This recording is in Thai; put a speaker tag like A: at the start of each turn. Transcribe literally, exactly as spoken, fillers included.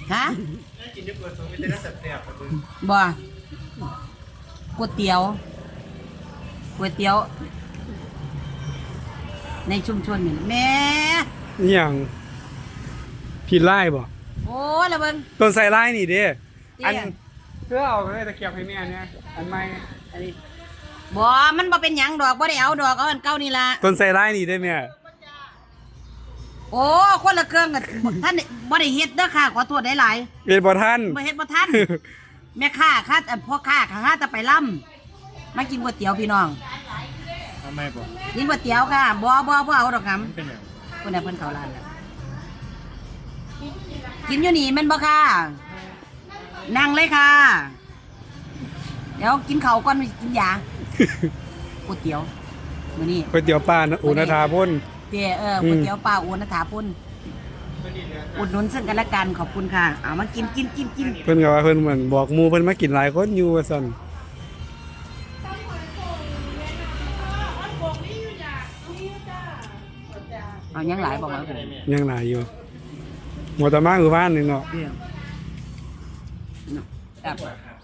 A: ฮะ
B: กินเยอะเกินตัวไม่ได้แซ่บๆครับมึง
A: บ่ก๋วยเตี๋ยวก๋วยเตี๋ยวในชุมชนนี่แม่
C: นี่อย่างผิดไล่บ่
A: โอ้ยละเบิ่ง
C: ต้นใส่ไล่นี่เด้อัน
A: เตี้ย
C: เพื่อเอาเลยตะเกียบให้แม่เนี่ยอันใหม่อันนี้
A: บ่มันบ่เป็นหยังดอกบ่ได้เอาดอกเอาอันเก่านี่ล่ะ
C: ต้นใส่ไล่นี่ได้แม่
A: โอ้คนละเครื่องกันท่านบ่ได้เฮ็ดเด้อค่ะขอโทษหลาย
C: เรียนบ่ท่าน
A: ๆบ่เฮ็ดบ่ทันแม่ค้าค่ะอันพ่อค้าค่ะหาแต่ไปล่ำมากินก๋วยเตี๋ยวพี่น้อง
B: ทำไมบ่
A: กินก๋วยเตี๋ยวค่ะบ่บ่บ่เอาดอกครับ
B: เป็นอย่าง
A: คนน่ะเพิ่นเข้าร้านแล้วกินอยู่นี่แม่นบ่ค่ะนั่งเลยค่ะเดี๋ยวกินข้าวก่อนกินยาก๋วยเตี๋ยวมื้อนี้
C: ก๋วยเตี๋ยวปลาอุณทาพ่น
A: เตี๋ยเออก๋วยเตี๋ยวปลาโอนัฐาพุ่นอุดหนุนซึ่งกันและกันขอบคุณค่ะเอามากินกินกินกิน
C: เพิ่นก็ว่าเพิ่นเหมือนบอกหมู่เพิ่นมากินหลายคนอยู่ว่าซั่น
A: เอายังหลายบอกว่าผม
C: ยังหลายอยู่หมดแต่มาคือบ้านนึงเนาะ
A: เนาะครับ